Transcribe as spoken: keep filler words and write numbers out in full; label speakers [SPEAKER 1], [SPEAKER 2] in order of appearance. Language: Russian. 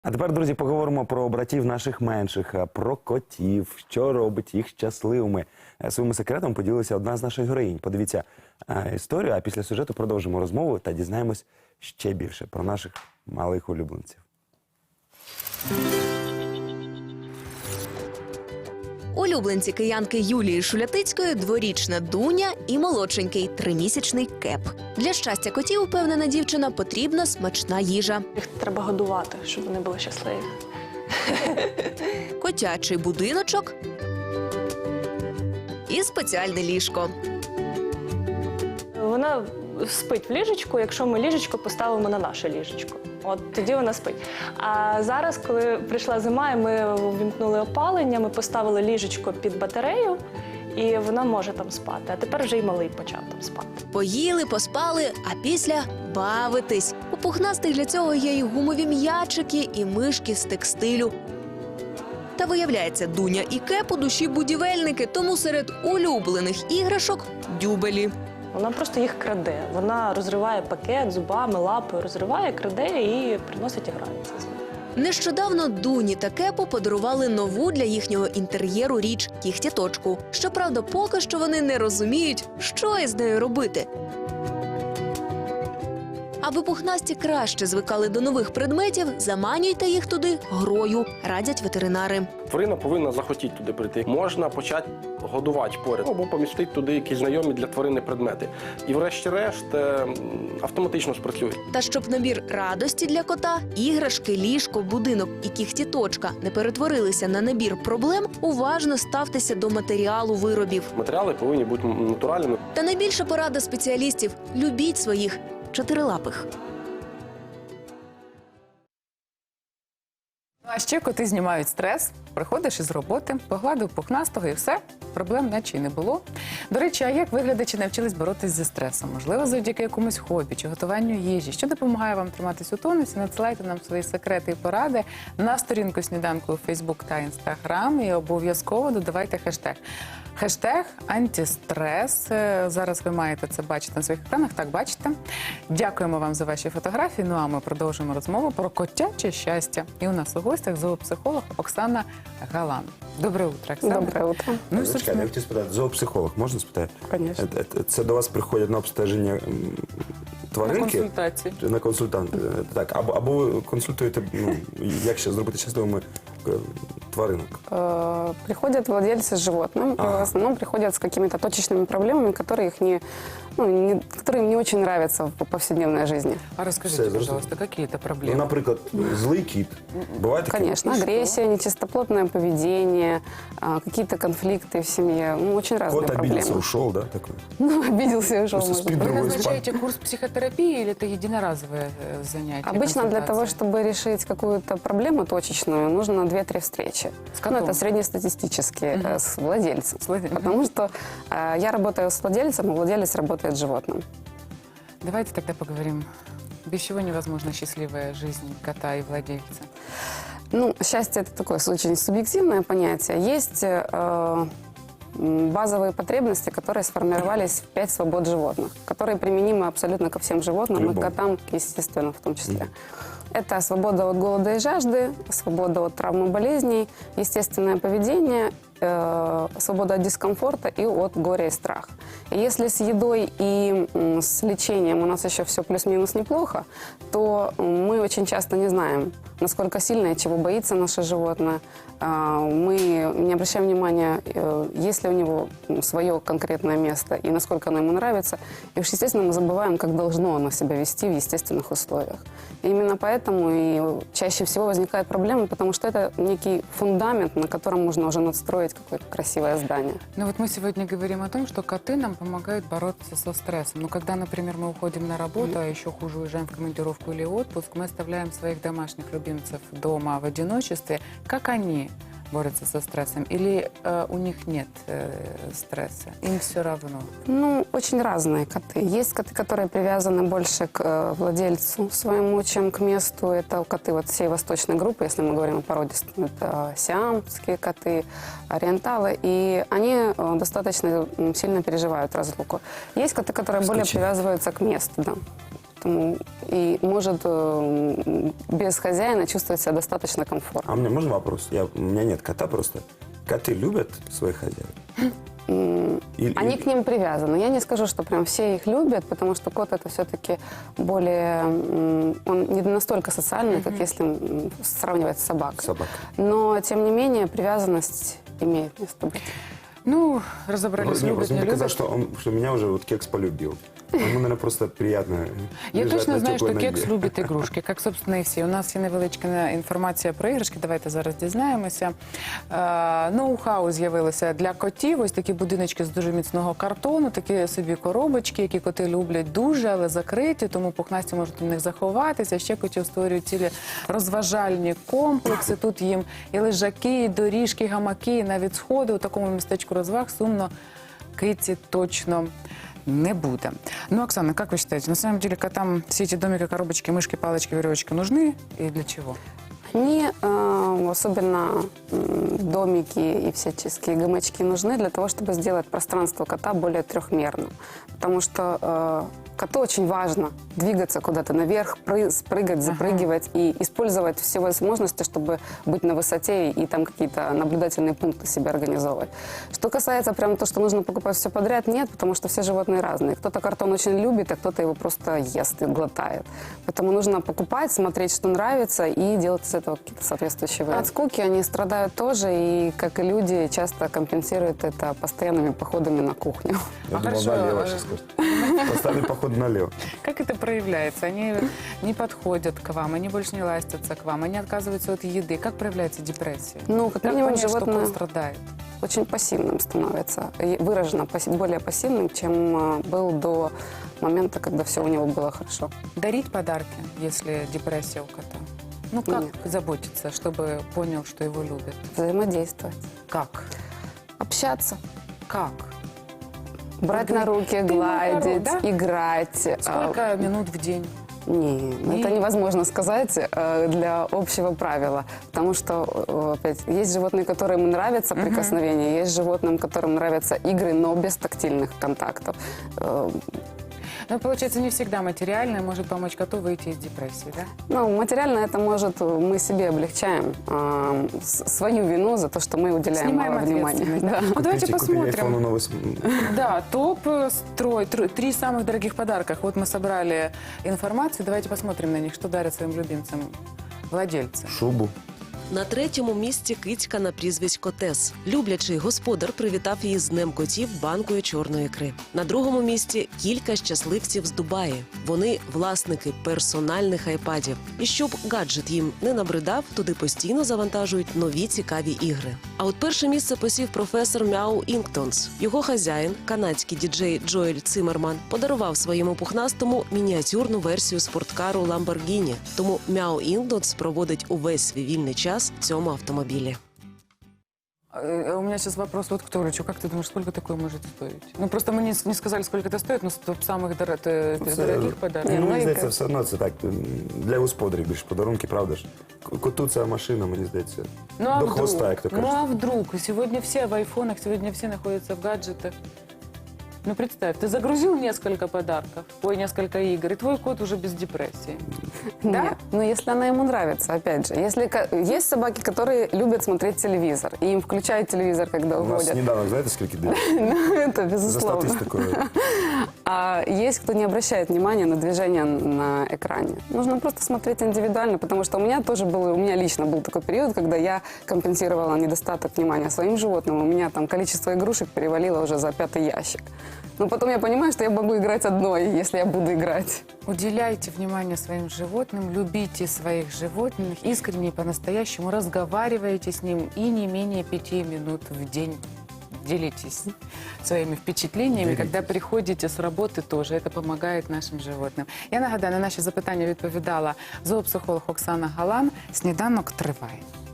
[SPEAKER 1] А тепер, друзі, поговоримо про братів наших менших, про котів, що робить їх щасливими. Своїм секретом поділилася одна з наших героїнь. Подивіться е, історію, а після сюжету продовжимо розмову та дізнаємось ще більше про наших малих улюбленців.
[SPEAKER 2] Улюбленці киянки Юлії Шулятицької – дворічна Дуня і молодшенький тримісячний Кеп. Для щастя котів, упевнена дівчина, потрібна смачна їжа.
[SPEAKER 3] Їх треба годувати, щоб вони були щасливі.
[SPEAKER 2] Котячий будиночок і спеціальне ліжко.
[SPEAKER 3] Вона спить в ліжечку, якщо ми ліжечко поставимо на наше ліжечко. От тоді вона спить. А зараз, коли прийшла зима, і ми увімкнули опалення, ми поставили ліжечко під батарею, і вона може там спати. А тепер вже й малий почав там спати.
[SPEAKER 2] Поїли, поспали, а після – бавитись. У пухнастих для цього є і гумові м'ячики, і мишки з текстилю. Та виявляється, Дуня і Кеп у душі будівельники, тому серед улюблених іграшок – дюбелі.
[SPEAKER 3] Вона просто їх краде. Вона розриває пакет зубами, лапою, розриває, краде і приносить і грається з ним.
[SPEAKER 2] Нещодавно Дуні та Кепу подарували нову для їхнього інтер'єру річ – кігтяточку. Щоправда, поки що вони не розуміють, що із нею робити. Аби пухнасті краще звикали до нових предметів, заманюйте їх туди грою, радять ветеринари.
[SPEAKER 4] Тварина повинна захотіти туди прийти. Можна почати годувати поряд або помістити туди якісь знайомі для тварини предмети. І врешті-решт автоматично спрацює.
[SPEAKER 2] Та щоб набір радості для кота, іграшки, ліжко, будинок і кігтяточка не перетворилися на набір проблем, уважно ставтеся до матеріалу виробів.
[SPEAKER 4] Матеріали повинні бути натуральними.
[SPEAKER 2] Та найбільша порада спеціалістів – любіть своїх чотирилапих.
[SPEAKER 5] А ще коти знімають стрес, приходиш із роботи, погладив пухнастого і все, проблем наче й не було. До речі, а як ви, глядачі, навчились боротись зі стресом? Можливо, завдяки якомусь хобі чи готуванню їжі? Що допомагає вам триматись у тонусі? Надсилайте нам свої секрети і поради на сторінку «Сніданку» у Фейсбук та Інстаграм і обов'язково додавайте хештег. Хештег «Антистрес». Зараз ви маєте це бачити на своїх екранах. Так, бачите. Дякуємо вам за ваші фотографії. Ну а ми продовжимо розмову про котяче щастя. І у нас у гостях зоопсихолог Оксана Галан. Доброе утро, Оксана.
[SPEAKER 3] Доброе утро.
[SPEAKER 1] Ну, Чекайте, я хотів спитати, зоопсихолог, можна спитати?
[SPEAKER 3] Конечно.
[SPEAKER 1] Е, е, Це до вас приходять на обстеження м, тваринки?
[SPEAKER 5] На консультації.
[SPEAKER 1] Чи на консультанти. Е, Так, або, або ви консультуєте, ну, як ще зробити щасливими е, тваринок?
[SPEAKER 6] Э, Приходят владельцы с животным, и
[SPEAKER 1] Ага.
[SPEAKER 6] в основном приходят с какими-то точечными проблемами, которые, их не, ну, не, которые им не очень нравятся в повседневной жизни.
[SPEAKER 5] А расскажите,
[SPEAKER 1] Все,
[SPEAKER 5] пожалуйста, какие это
[SPEAKER 1] Ну,
[SPEAKER 5] проблемы?
[SPEAKER 1] наприклад, злий кіт. Буває таке?
[SPEAKER 6] Конечно, агрессия, нечистоплотное поведение, а, какие-то конфликты в семье. Ну, очень разные
[SPEAKER 1] Кот обиделся,
[SPEAKER 6] проблемы.
[SPEAKER 1] ушел, да? Такой?
[SPEAKER 6] Ну, обиделся и ушел.
[SPEAKER 1] Просто
[SPEAKER 6] может
[SPEAKER 1] спит
[SPEAKER 6] быть.
[SPEAKER 5] Вы
[SPEAKER 1] другой
[SPEAKER 5] назначаете курс психотерапии или это единоразовое э, занятие?
[SPEAKER 6] Обычно для того,
[SPEAKER 5] консультация?
[SPEAKER 6] чтобы решить какую-то проблему точечную, нужно две-три встречи.
[SPEAKER 5] С
[SPEAKER 6] Ну,
[SPEAKER 5] котом?
[SPEAKER 6] это среднестатистические,
[SPEAKER 5] Мгм.
[SPEAKER 6] э, с владельцем.
[SPEAKER 5] С владе-
[SPEAKER 6] Потому что э, я работаю с владельцем, а владелец работает с животным.
[SPEAKER 5] Давайте тогда поговорим. Без чего невозможна счастливая жизнь кота и владельца?
[SPEAKER 6] Ну, счастье – это такое очень субъективное понятие. Есть э, м, базовые потребности, которые сформировались в пять свобод животных, которые применимы абсолютно ко всем животным, и
[SPEAKER 1] Любому.
[SPEAKER 6] котам, естественно, в том числе. Это свобода от голода и жажды, свобода от травм и болезней, естественное поведение, э, свобода от дискомфорта и от горя и страха. И если с едой и м, с лечением у нас еще все плюс-минус неплохо, то м, мы очень часто не знаем, насколько сильно и чего боится наше животное. А, Мы не обращаем внимания, э, есть ли у него м, свое конкретное место и насколько оно ему нравится. И уж, естественно, мы забываем, как должно оно себя вести в естественных условиях. И именно поэтому и чаще всего возникают проблемы, потому что это некий фундамент, на котором можно уже надстроить какое-то красивое здание.
[SPEAKER 5] Ну вот мы сегодня говорим о том, что коты нам помогают бороться со стрессом. Но когда, например, мы уходим на работу, а еще хуже уезжаем в командировку или отпуск, мы оставляем своих домашних любимцев дома в одиночестве. Как они борются со стрессом? Или э, у них нет э, стресса? Им все равно?
[SPEAKER 6] Ну, очень разные коты. Есть коты, которые привязаны больше к э, владельцу своему, чем к месту. Это коты вот всей восточной группы, если мы говорим о породистых. Это сиамские коты, ориенталы. И они э, достаточно м, сильно переживают разлуку. Есть коты, которые более
[SPEAKER 1] Исключение.
[SPEAKER 6] привязываются к месту, да. Поэтому и может э, без хозяина чувствовать себя достаточно комфортно.
[SPEAKER 1] А у меня можно вопрос? Я, у меня нет кота просто. Коты любят своих хозяев? Или-
[SPEAKER 6] Они
[SPEAKER 1] или-
[SPEAKER 6] к ним привязаны. Я не скажу, что прям все их любят, потому что кот это все-таки более... м, Он не настолько социальный, как если м, сравнивать с собакой.
[SPEAKER 1] Собака.
[SPEAKER 6] Но, тем не менее, привязанность имеет место быть.
[SPEAKER 5] Ну, разобрались,
[SPEAKER 1] Мне
[SPEAKER 5] любят,
[SPEAKER 1] просто
[SPEAKER 5] не
[SPEAKER 1] мне показалось,
[SPEAKER 5] любят.
[SPEAKER 1] что, он, что меня уже вот кекс полюбил. Ему, наверное, просто приятно
[SPEAKER 5] Я
[SPEAKER 1] лежать
[SPEAKER 5] точно
[SPEAKER 1] на
[SPEAKER 5] знаю, що
[SPEAKER 1] теплой
[SPEAKER 5] кекс
[SPEAKER 1] ноге.
[SPEAKER 5] любить ігрушки, як, собственно, і всі. У нас є невеличка інформація про іграшки, давайте зараз дізнаємося. Е, Ноу-хау з'явилося для котів, ось такі будиночки з дуже міцного картону, такі собі коробочки, які коти люблять дуже, але закриті, тому пухнасті можуть у них заховатися. Ще котів створюють цілі розважальні комплекси. Тут їм і лежаки, і доріжки, і гамаки, і навіть сходи. У такому містечку розваг сумно киці точно не буде. Ну, Оксана, как вы считаете, на самом деле котам все эти домики, коробочки, мышки, палочки, веревочки нужны и для чего?
[SPEAKER 6] Они, э, особенно м, домики и всяческие гамачки, нужны для того, чтобы сделать пространство кота более трехмерным. Потому что э, коту очень важно двигаться куда-то наверх, пры- прыгать, запрыгивать и использовать все возможности, чтобы быть на высоте и там какие-то наблюдательные пункты себе организовывать. Что касается прям то, что нужно покупать все подряд, нет, потому что все животные разные. Кто-то картон очень любит, а кто-то его просто ест и глотает. Поэтому нужно покупать, смотреть, что нравится, и делать из этого какие-то соответствующие выводы. От скуки они страдают тоже, и, как и люди, часто компенсируют это постоянными походами на кухню.
[SPEAKER 1] Я
[SPEAKER 5] А
[SPEAKER 1] думал,
[SPEAKER 5] хорошо,
[SPEAKER 1] налево
[SPEAKER 5] э,
[SPEAKER 1] сейчас скажет. Поставили поход налево.
[SPEAKER 5] Как это проявляется? Они не подходят к вам, они больше не ластятся к вам, они отказываются от еды. Как проявляется депрессия?
[SPEAKER 6] Ну, как
[SPEAKER 5] Как
[SPEAKER 6] минимум,
[SPEAKER 5] понять, что
[SPEAKER 6] животное
[SPEAKER 5] кот страдает?
[SPEAKER 6] очень пассивным становится, и выраженно пасси- более пассивным, чем э, был до момента, когда все у него было хорошо.
[SPEAKER 5] Дарить подарки, если депрессия у кота? Ну, как
[SPEAKER 6] Нет.
[SPEAKER 5] заботиться, чтобы понял, что его любят?
[SPEAKER 6] Взаимодействовать,
[SPEAKER 5] Как?
[SPEAKER 6] общаться,
[SPEAKER 5] Как?
[SPEAKER 6] брать
[SPEAKER 5] Вот
[SPEAKER 6] на
[SPEAKER 5] говори,
[SPEAKER 6] руки,
[SPEAKER 5] «Ты мой
[SPEAKER 6] гладить,
[SPEAKER 5] король», да?
[SPEAKER 6] играть. А,
[SPEAKER 5] Сколько минут в день?
[SPEAKER 6] Не, ну,
[SPEAKER 5] Не.
[SPEAKER 6] это невозможно сказать э, для общего правила, потому что, э, опять, есть животные, которым нравятся прикосновения, есть животным, которым нравятся игры, но без тактильных контактов. Э,
[SPEAKER 5] Ну, получается, не всегда материальное может помочь коту выйти из депрессии, да?
[SPEAKER 6] Ну, материально это может, мы себе облегчаем э, с- свою вину за то, что мы уделяем
[SPEAKER 5] Снимаем
[SPEAKER 6] мало внимания.
[SPEAKER 5] ответственность, да?
[SPEAKER 6] Да.
[SPEAKER 5] Ну, давайте
[SPEAKER 1] Купите- купили айфону
[SPEAKER 5] посмотрим.
[SPEAKER 1] новый с-
[SPEAKER 5] Да, топ э, строй, тр- три самых дорогих подарка. Вот мы собрали информацию, давайте посмотрим на них, что дарят своим любимцам владельцы.
[SPEAKER 1] шубу.
[SPEAKER 7] На третьому місці кицька на прізвисько Тес. Люблячий господар привітав її з Днем котів банкою чорної ікри. На другому місці кілька щасливців з Дубаї. Вони власники персональних айпадів. І щоб гаджет їм не набридав, туди постійно завантажують нові цікаві ігри. А от перше місце посів професор Мяу Інктонс. Його хазяїн, канадський діджей Джоель Циммерман, подарував своєму пухнастому мініатюрну версію спорткару Lamborghini. Тому Мяу Інктонс проводить увесь свій вільний час в цьому автомобілі.
[SPEAKER 5] Э, У меня сейчас вопрос вот к Толичу. Как ты думаешь, сколько такое может стоить? Ну, просто мы не, не сказали, сколько это стоит, но с топ самых дор- э,
[SPEAKER 1] Це-
[SPEAKER 5] дорогих подарков.
[SPEAKER 1] Ну,
[SPEAKER 6] ну,
[SPEAKER 1] мені
[SPEAKER 6] і
[SPEAKER 1] здається,
[SPEAKER 6] ка-
[SPEAKER 1] все одно це так м, для господарів більше подарунки, правда ж? К- Коту ця машина, мені здається,
[SPEAKER 5] Ну, а
[SPEAKER 1] до
[SPEAKER 5] вдруг?
[SPEAKER 1] хвоста, як то
[SPEAKER 5] Ну,
[SPEAKER 1] кажуть.
[SPEAKER 5] а вдруг? Сегодня все в айфонах, сегодня все находятся в гаджетах. Ну, представь, ты загрузил несколько подарков, ой, несколько игр, и твой кот уже без депрессии. Да?
[SPEAKER 6] Нет. Но если она ему нравится, опять же. Если ко- есть собаки, которые любят смотреть телевизор, и им включают телевизор, когда
[SPEAKER 1] У нас
[SPEAKER 6] уходят.
[SPEAKER 1] сніданок, знаєте, скільки дають?
[SPEAKER 6] Ну, это
[SPEAKER 1] За
[SPEAKER 6] безусловно.
[SPEAKER 1] статистикою.
[SPEAKER 6] А есть кто не обращает внимания на движение на экране. Нужно просто смотреть индивидуально, потому что у меня тоже был, у меня лично был такой период, когда я компенсировала недостаток внимания своим животным. У меня там количество игрушек перевалило уже за пятый ящик. Но потом я понимаю, что я могу играть одной, если я буду играть.
[SPEAKER 5] Уделяйте внимание своим животным, любите своих животных, искренне и по-настоящему разговаривайте с ним и не менее пяти минут в день. Делитесь своими впечатлениями, когда приходите с работы тоже. Это помогает нашим животным. Я нагадаю, на наші запитання відповідала зоопсихолог Оксана Галан. Сніданок триває.